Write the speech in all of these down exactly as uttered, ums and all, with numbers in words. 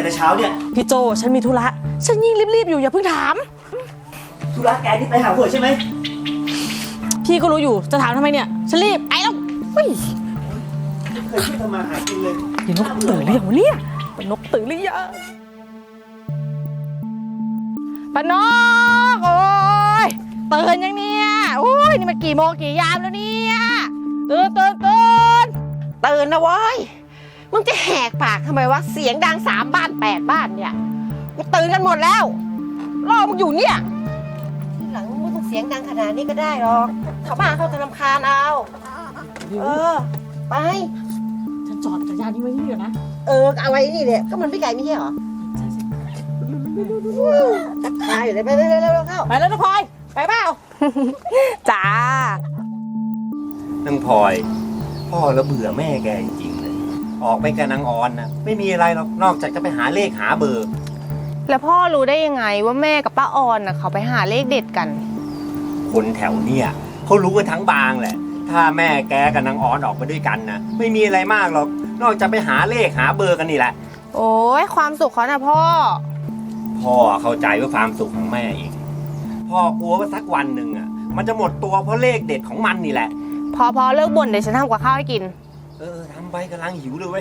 แต่เช้าเนี่ยพี่โจฉันมีธุระฉันยิ่งรีบๆอยู่อย่าเพิ่งถามธุระแกที่ไปหาหวยใช่ไหมพี่ก็รู้อยู่จะถามทำไมเนี่ยฉันรีบไอ้แล้วเฮ้ยเคยช่วยทำมาหากินเลยเดี๋ยวนกตื่นหรือยังวะเนี่ยนกตื่นหรือยังปนกโอ้ยตื่นยังเนี่ยโอ้ยนี่มันกี่โมงกี่ยามแล้วเนี่ยตื่นตื่นตื่นตื่นนะเว้ยมึงจะแหกปากทำไมวะเสียงดังสามบ้านแปดบ้านเนี่ยกูตื่นกันหมดแล้วรอมึงอยู่เนี่ยทีหลังมึงไม่ต้องเสียงดังขนาดนี้ก็ได้หรอกชาวบ้านเขาจะรำคาญเอาเออไปฉันจอดจักรยานนี้ไว้ที่นี่ก่อนนะเออเอาไว้นี่เนี่ยก็มันไม่ไกลไม่ใช่หรอตักทายอยู่เลยไปเร็วๆเข้าไปแล้วนะพลอยไปเปล่าจ้านังพลอยพ่อแล้วเบื่อแม่แกจริงๆเลยออกไปกับนางออนนะไม่มีอะไรหรอกนอกจากจะไปหาเลขหาเบอร์แล้วพ่อรู้ได้ยังไงว่าแม่กับป้าออนน่ะเขาไปหาเลขเด็ดกันคนแถวเนี่ยเขารู้กันทั้งบางแหละถ้าแม่แกกับนางออนออกไปด้วยกันนะไม่มีอะไรมากหรอกนอกจากไปหาเลขหาเบอร์กันนี่แหละโอ้ยความสุขเขานะพ่อพ่อเข้าใจว่าความสุขของแม่เองพ่อกลัวว่าสักวันหนึ่งอ่ะมันจะหมดตัวเพราะเลขเด็ดของมันนี่แหละพอพอเลิกบ่นเดี๋ยวฉันทำกับข้าวให้กินเออทำไปกำลังหิวเลยเว้ย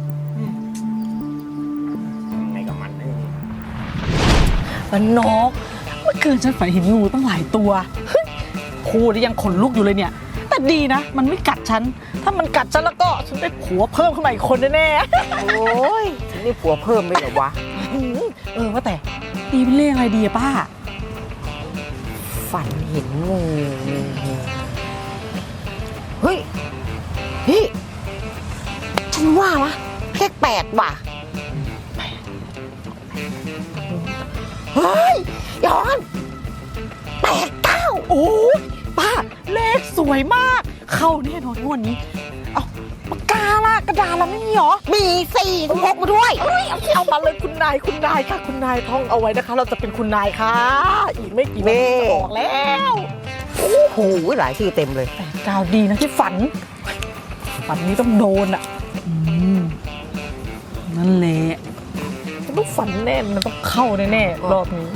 ทำไงกับมันเนี่ยปนกเมื่อคืนฉันฝันเห็นงูตั้งหลายตัวพูดแล้วยังขนลุกอยู่เลยเนี่ยแต่ดีนะมันไม่กัดฉันถ้ามันกัดฉันแล้วก็ฉันได้ผัวเพิ่มขึ้นมาอีกคนแน่ๆโอ้ยฉันได้ผัวเพิ่มไม่เหรอวะเออว่าแต่ตีเป็นเลขอะไรดีอะป้าฝันเห็นงูเฮ้ยพี่ฉันว่าวะเลขแปดว่ะเฮ้ยย้อนแปดเก้าโอ้ป้าเลขสวยมากเข้าแน่นอนงวดนี้เอาปากกาล่ะกระดาษเราไม่มีหรอมีสี่ต้องพกมาด้วยเฮ้ยเอามาเลยคุณนายคุณนายค่ะคุณนายท่องเอาไว้นะคะเราจะเป็นคุณนายค่ะอีกไม่กี่วันจะบอกแล้วโอ้โหหลายชื่อเต็มเลยแปดเก้าดีนะที่ฝันฝันนี้ต้องโดนอ่ะนั่นแหละต้องฝันแน่มันต้องเข้าแน่ๆรอบนี้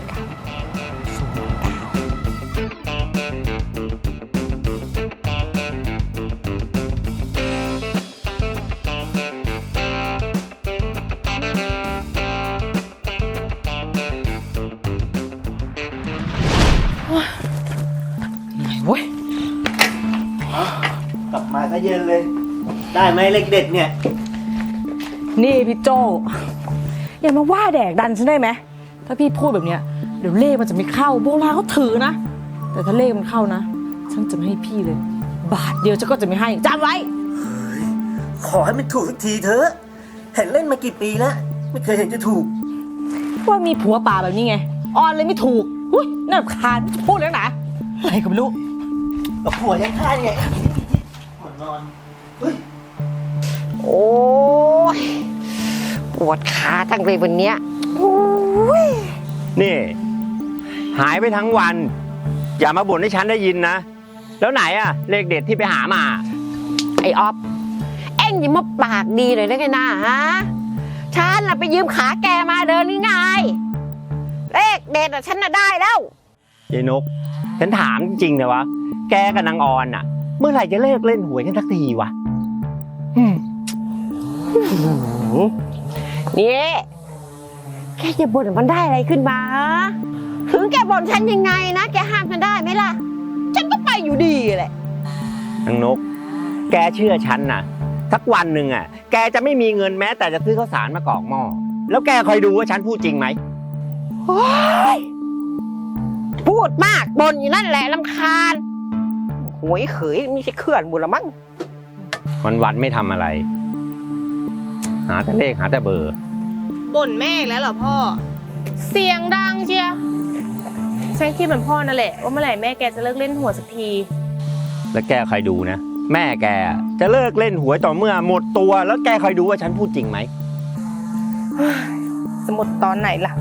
ไหนเว้ยกลับมาซะเย็นเลยได้ไหมเลขเด็ดเนี่ยนี่พี่โจอย่ามาว่าแดกดันฉันได้ไหมถ้าพี่พูดแบบเนี้ยเดี๋ยวเลขมันจะไม่เข้าโบราณเขาถือนะแต่ถ้าเลขมันเข้านะฉันจะไม่ให้พี่เลยบาทเดียวฉันก็จะไม่ให้จำไว้เฮ้ยขอให้มันถูกสักทีเถอะเห็นเล่นมากี่ปีแล้วไม่เคยเห็นจะถูกว่ามีผัวป่าแบบนี้ไงออนเลยไม่ถูกอุ้ยน่ารำคาญพูดแล้วนะอะไรก็ไม่รู้กับผัวยังฆ่าไงหมดนอนเฮ้ยโอ้ยปวดขาตั้งเลยวันเนี้ยนี่หายไปทั้งวันอย่ามาบ่นให้ฉันได้ยินนะแล้วไหนอะเลขเด็ดที่ไปหามาไอ้ออฟเอ็งอย่ามาปากดีเลยได้ไงนะฮะฉันน่ะไปยืมขาแกมาเดินนี่ไงเลขเด็ดอะฉันน่ะได้แล้วยายนกฉันถามจริงๆนะวะแกกับนางออนอะเมื่อไหร่จะเลิกเล่นหวยกันสักทีวะนี่แกจะบ่นมันได้อะไรขึ้นมาถึงแกบ่นฉันยังไงนะแกห้ามฉันได้ไหมล่ะฉันก็ไปอยู่ดีแหละนางนกแกเชื่อฉันนะสักวันหนึ่งอ่ะแกจะไม่มีเงินแม้แต่จะซื้อข้าวสารมากรอกหม้อแล้วแกคอยดูว่าฉันพูดจริงไหมพูดมากบ่นอยู่นั่นแหละรำคาญหวยเขยไม่ใช่เคลื่อนบุญละมั้งวันวันไม่ทำอะไรหาแต่เลขหาแต่เบอร์บ่นแม่แล้วเหรอพ่อเสียงดังเชียฉันคิดเหมือนพ่อนั่นแหละว่าเมื่อไหร่แม่แกจะเลิกเล่นหวยสักทีแล้วแกคอยดูนะแม่แกจะเลิกเล่นหวยต่อเมื่อหมดตัวแล้วแกคอยดูว่าฉันพูดจริงไหมสมมติตอนไหนล่ะ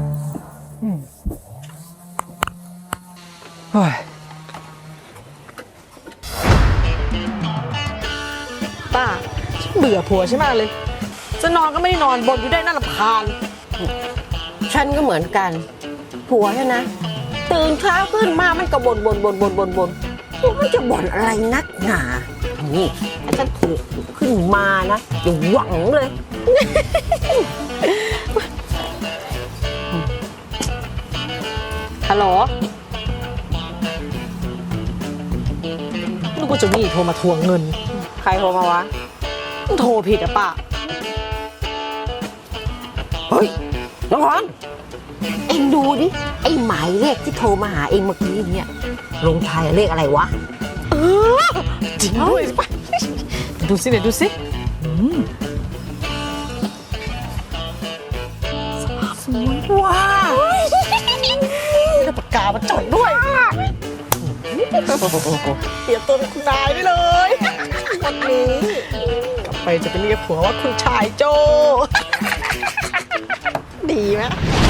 ป้าเบื่อผัวใช่ไหมเลยจะนอนก็ไม่ได้นอนบ่นอยู่ได้น่ารำคาญฉันก็เหมือนกัน ผัวฉันนะ ตื่นเช้าขึ้นมามันก็บ่นบ่นบ่นบ่นบ่นบ่นมันจะบ่นอะไรนักหนานี่ถ้าฉันถูกขึ้นมานะอย่าหวังเลยฮัลโหลนึกว่าเจะนี่โทรมาทวงเงินใครโทรมาวะโทรผิดอะป้าเฮ้ย น้องหอนเอ็งดูดิ ไอ้หมายเลขที่โทรมาหาเอ็งเมื่อกี้เนี่ย ลงท้ายเลขอะไรวะเออจริงด้วยป่ะดูสิเดี๋ยวดูสิอืมสวยว้าวนี่ปากกามาจดด้วยเปลี่ยนตัวเป็นคุณนายได้เลยวันนี้กลับไปจะไปเรียกผัวว่าคุณชายโจ ดีไหม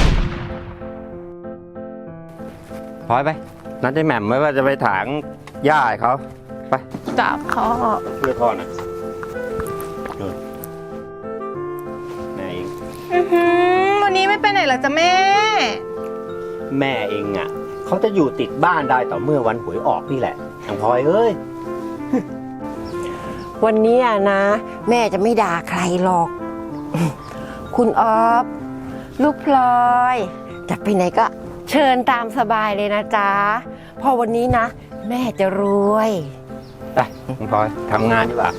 พลอยไป นัดไอ้แหม่มไว้ว่าจะไปถางหญ้าให้เขาไปจับพ่อเพื่อพ่อนะนู่นแม่เองอื้อหือวันนี้ไม่ไปไหนเหรอจ๊ะแม่แม่เองอ่ะเขาจะอยู่ติดบ้านได้ต่อเมื่อวันหวยออกนี่แหละทางพลอยเอ้ยวันนี้อะนะ แม่จะไม่ด่าใครหรอก คุณออฟลูกพลอย จะไปไหนก็เชิญตามสบายเลยนะจ๊ะเพอวันนี้นะ แม่จะรวยไปทางพลอยทำงานดีกว่า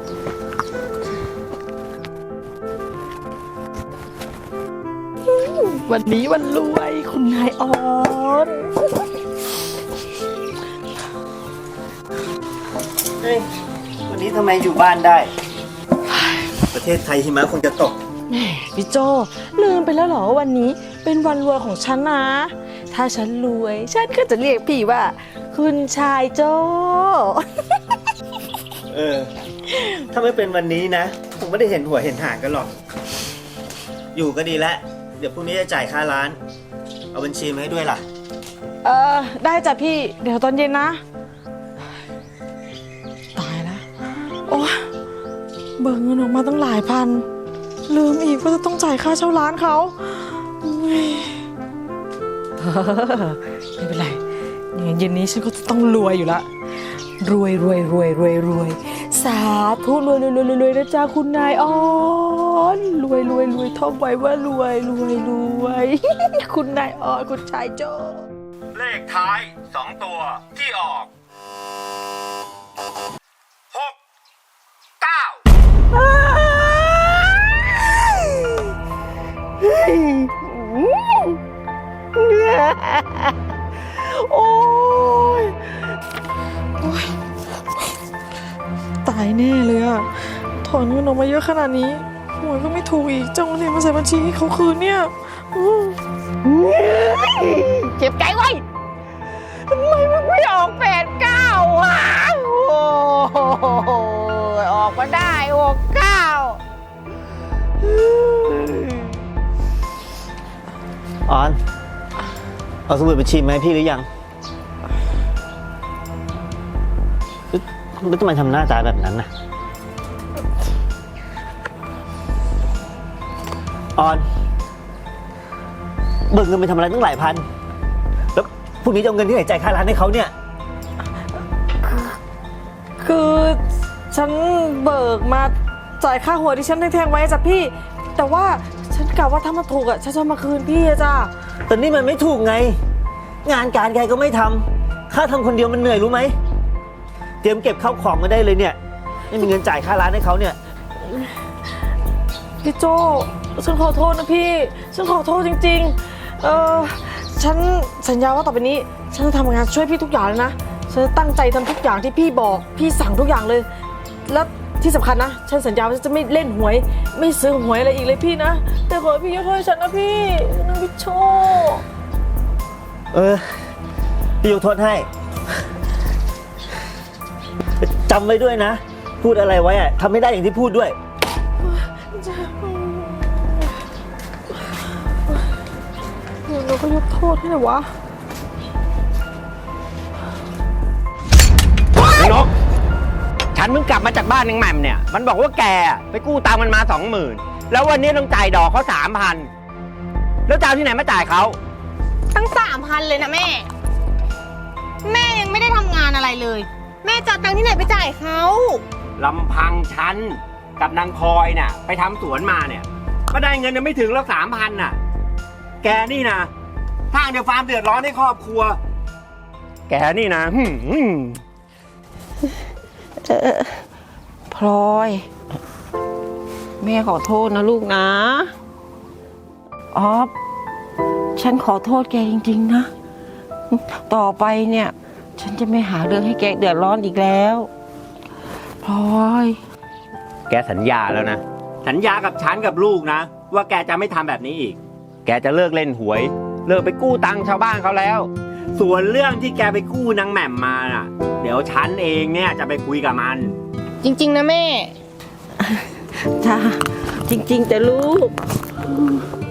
วันนี้วันรวยคุณนายออนเฮ้ยวันนี้ทำไมอยู่บ้านได้ ประเทศไทยหิมะคงจะตกแหมพี่โจลืมไปแล้วเหรอวันนี้เป็นวันรวยของฉันนะ ถ้าฉันรวย ฉันก็จะเรียกพี่ว่า คุณชายโจเออ ถ้าไม่เป็นวันนี้นะ ผมไม่ได้เห็นหัวเห็นหางกันหรอก อยู่ก็ดีแล้ว เดี๋ยวพรุ่งนี้จะจ่ายค่าร้าน เอาบัญชีมาให้ด้วยล่ะเออได้จ้ะพี่เดี๋ยวตอนเย็นนะ ตายแล้วโอ้เบิกเงินออกมาตั้งหลายพัน ลืมอีกว่าจะต้องจ่ายค่าเช่าร้านเขาอุ๊ย ไม่เป็นไรอย่างเย็นนี้ฉันก็จะต้องรวยอยู่ละรวยรวยรวยรวยรวยสาธุรวยรวยรวยรวยนะจ๊ะคุณนายออนรวยรวยรวยท่องไว้ว่ารวยรวยรวย คุณนายออนคุณชายโจเลขท้ายสองตัวที่ออกหกเก้าโอ้ยโอ้ยตายแน่เลยอะถอนเงินออกมาเยอะขนาดนี้หวยก็ไม่ถูกอีกจ้องเงินมาใส่บัญชีให้เขาคืนเนี่ยอื้อเจ็บใจไว้ทำไมมันไม่ออกแปดเก้าวะโอ้โหออกมาได้หกเก้าออน เอาสมุดบัญชีมาให้พี่หรือยังแล้วทำไมทำหน้าตาแบบนั้นน่ะ ออน เบิกเงินไปทำอะไรตั้งหลายพัน แล้วพรุ่งนี้จะเอาเงินที่ไหนจ่ายค่าร้านให้เขาเนี่ยคือฉันเบิกมาจ่ายค่าหัวที่ฉันแทงๆไว้จ้ะพี่ แต่ว่าฉันกะว่าถ้ามาถูกอะฉันจะมาคืนพี่อะจ้ะแต่นี่มันไม่ถูกไง งานการใครก็ไม่ทำค่าทำคนเดียวมันเหนื่อยรู้ไหม เตรียมเก็บข้าวของมาได้เลยเนี่ย ไม่มีเงินจ่ายค่าร้านให้เขาเนี่ยพี่โจฉันขอโทษนะพี่ ฉันขอโทษจริงๆ เออฉันสัญญาว่าต่อไปนี้ ฉันจะทำงานช่วยพี่ทุกอย่างเลยนะ ฉันจะตั้งใจทำทุกอย่างที่พี่บอก พี่สั่งทุกอย่างเลย แล้วที่สำคัญนะ ฉันสัญญาว่าฉันจะไม่เล่นหวย ไม่ซื้อหวยอะไรอีกเลยพี่นะ แต่ขอให้พี่ยกโทษให้ฉันนะพี่นะพี่โจเออ พี่ยกโทษให้ จำไว้ด้วยนะ พูดอะไรไว้อะทำไม่ได้อย่างที่พูดด้วยเดี๋ยวเราก็ยกโทษให้หน่อยวะนกฉันเพิ่งกลับมาจากบ้านนางแหม่มเนี่ย มันบอกว่าแกไปกู้ตังค์มันมาสองหมื่นแล้ววันนี้ต้องจ่ายดอกเขาสามพันแล้วจะเอาที่ไหนมาจ่ายเขาตั้งสามพันเลยนะแม่ แม่ยังไม่ได้ทำงานอะไรเลย แม่จะเอาตังค์ที่ไหนไปจ่ายเขาลำพังฉันกับนางพลอยน่ะ ไปทำสวนมาเนี่ย ก็ได้เงินยังไม่ถึงแล้วสามพันน่ะ แกนี่นะสร้างเดี๋ยวฟาร์มเดือดร้อนให้ครอบครัว แกนี่นะหืมเออพลอย แม่ขอโทษนะลูกนะออฟฉันขอโทษแกจริงๆนะ ต่อไปเนี่ย ฉันจะไม่หาเรื่องให้แกเดือดร้อนอีกแล้วพลอยแกสัญญาแล้วนะ สัญญากับฉันกับลูกนะ ว่าแกจะไม่ทำแบบนี้อีก แกจะเลิกเล่นหวย เลิกไปกู้ตังค์ชาวบ้านเขาแล้ว ส่วนเรื่องที่แกไปกู้นางแหม่มมาน่ะ เดี๋ยวฉันเองเนี่ยจะไปคุยกับมันจริง ๆ นะแม่จ้าจริงๆแต่ลูก